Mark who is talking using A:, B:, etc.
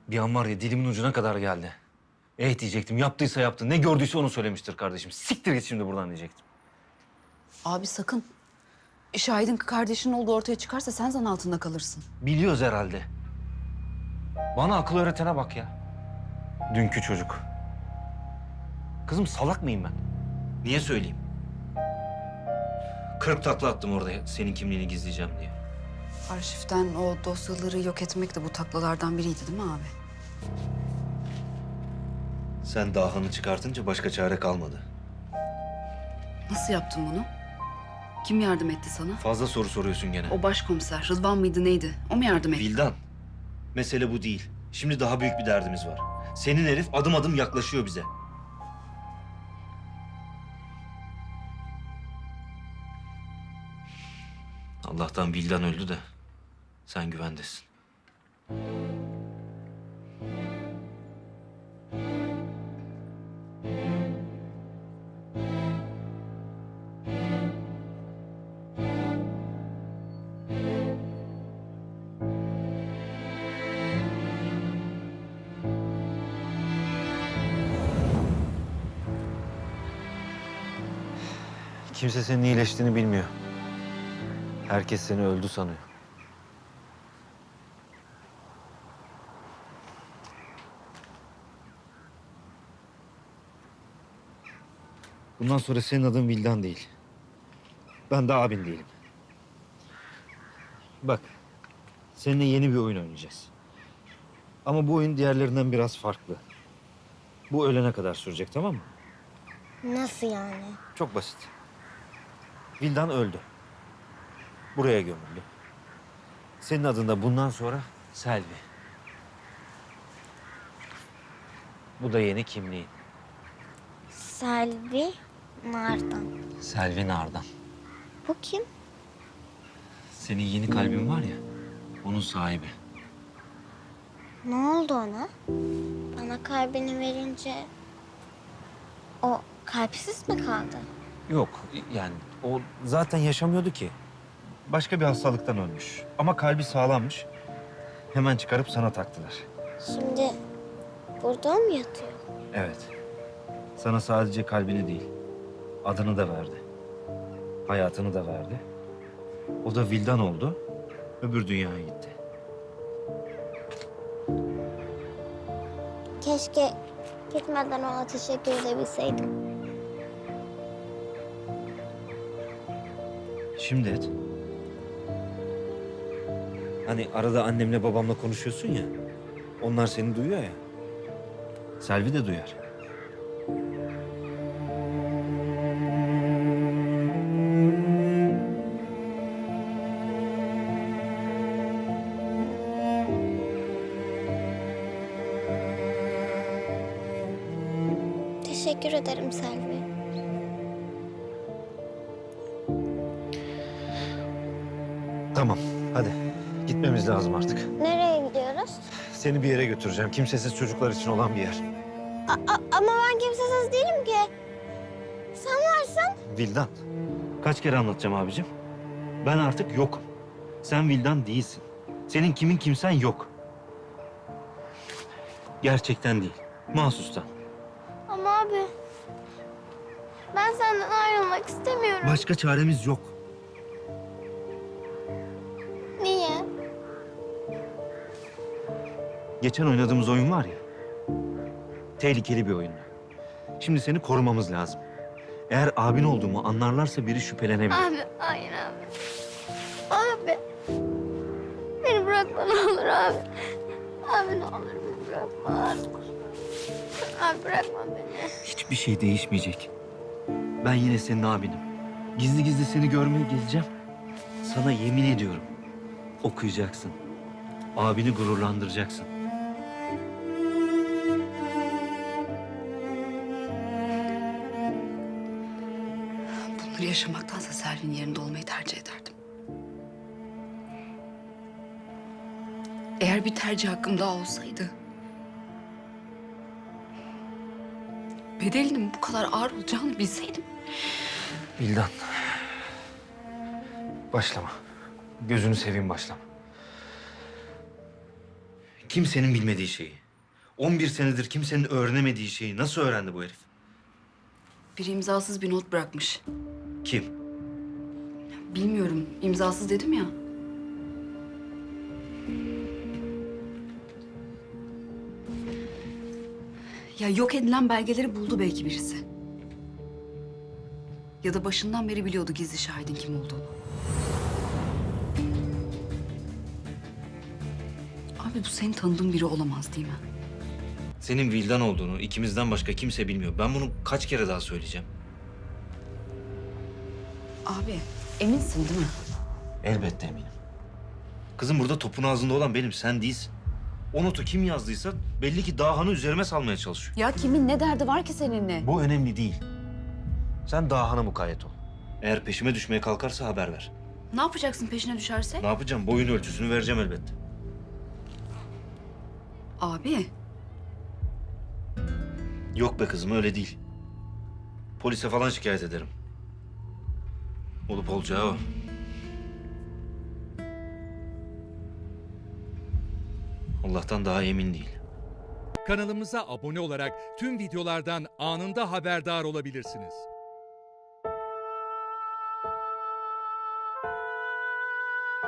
A: Bir an var ya dilimin ucuna kadar geldi. Diyecektim, yaptıysa yaptı. Ne gördüyse onu söylemiştir kardeşim. Siktir git şimdi buradan diyecektim.
B: Abi sakın. Şahidin kardeşinin olduğu ortaya çıkarsa sen zan altında kalırsın.
A: Biliyoruz herhalde. Bana akıl öğretene bak ya. Dünkü çocuk. Kızım salak mıyım ben? Niye söyleyeyim? 40 takla attım orada senin kimliğini gizleyeceğim diye.
B: Arşivden o dosyaları yok etmek de bu taklalardan biriydi değil mi abi?
A: Sen dahanı çıkartınca başka çare kalmadı.
B: Nasıl yaptın bunu? Kim yardım etti sana?
A: Fazla soru soruyorsun gene.
B: O başkomiser Rıdvan mıydı neydi? O mu yardım etti?
A: Vildan, mesele bu değil. Şimdi daha büyük bir derdimiz var. Senin herif adım adım yaklaşıyor bize. Allah'tan Vildan öldü de sen güvendesin. Kimse senin iyileştiğini bilmiyor. Herkes seni öldü sanıyor. Bundan sonra senin adın Vildan değil. Ben de abin değilim. Bak, seninle yeni bir oyun oynayacağız. Ama bu oyun diğerlerinden biraz farklı. Bu ölene kadar sürecek, tamam mı?
C: Nasıl yani?
A: Çok basit. Vildan öldü. Buraya gömüldü. Senin adın da bundan sonra Selvi. Bu da yeni kimliğin.
C: Selvi Nardan.
A: Selvi Nardan.
C: Bu kim?
A: Senin yeni kalbin var ya, onun sahibi.
C: Ne oldu ona? Bana kalbini verince o kalpsiz mi kaldı?
A: Yok, yani o zaten yaşamıyordu ki. Başka bir hastalıktan ölmüş. Ama kalbi sağlammış. Hemen çıkarıp sana taktılar.
C: Şimdi burada mı yatıyor?
A: Evet. Sana sadece kalbini değil, adını da verdi. Hayatını da verdi. O da Vildan oldu, öbür dünyaya gitti.
C: Keşke gitmeden ona teşekkür edebilseydim.
A: Şimdi et. Hani arada annemle babamla konuşuyorsun ya, onlar seni duyuyor ya. Selvi de duyar.
C: Teşekkür ederim Selvi.
A: Tamam, hadi. Gitmemiz lazım artık.
C: Nereye gidiyoruz?
A: Seni bir yere götüreceğim. Kimsesiz çocuklar için olan bir yer.
C: Ama ben kimsesiz değilim ki. Sen varsın.
A: Vildan. Kaç kere anlatacağım abicim? Ben artık yokum. Sen Vildan değilsin. Senin kimin kimsen yok. Gerçekten değil. Mahsustan.
C: Ama abi ben senden ayrılmak istemiyorum.
A: Başka çaremiz yok.
C: Niye?
A: Geçen oynadığımız oyun var ya. Tehlikeli bir oyundu. Şimdi seni korumamız lazım. Eğer abin olduğumu anlarlarsa biri şüphelenebilir.
C: Abi hayır abi. Abi. Beni bırakma ne olur abi. Abi ne olur beni bırakma abi. Abi bırakma beni.
A: Hiçbir şey değişmeyecek. Ben yine senin abinim. Gizli gizli seni görmeye geleceğim. Sana yemin ediyorum. Okuyacaksın. Abini gururlandıracaksın.
B: Bunları yaşamaktansa Selvi'nin yerinde olmayı tercih ederdim. Eğer bir tercih hakkım daha olsaydı... bedelinin bu kadar ağır olacağını bilseydim...
A: Vildan. Başlama. Gözünü seveyim başlama. Kimsenin bilmediği şeyi. 11 senedir kimsenin öğrenemediği şeyi nasıl öğrendi bu herif?
B: Biri imzasız bir not bırakmış.
A: Kim?
B: Bilmiyorum, imzasız dedim ya. Ya yok edilen belgeleri buldu belki birisi. Ya da başından beri biliyordu gizli şahidin kim olduğunu. Abi bu senin tanıdığın biri olamaz değil mi?
A: Senin Vildan olduğunu ikimizden başka kimse bilmiyor. Ben bunu kaç kere daha söyleyeceğim?
B: Abi eminsin değil mi?
A: Elbette eminim. Kızım burada topun ağzında olan benim, sen değilsin. O notu kim yazdıysa belli ki Dahan'ı üzerime salmaya çalışıyor.
B: Ya kimin ne derdi var ki seninle?
A: Bu önemli değil. Sen Dahan'a mukayyet ol. Eğer peşime düşmeye kalkarsa haber ver.
B: Ne yapacaksın peşine düşerse?
A: Ne yapacağım? Boyun ölçüsünü vereceğim elbette.
B: Abi
A: Yok be kızım, öyle değil. Polise falan şikayet ederim. Olup olacağı o. Allah'tan daha emin değil.
D: Kanalımıza abone olarak tüm videolardan anında haberdar olabilirsiniz.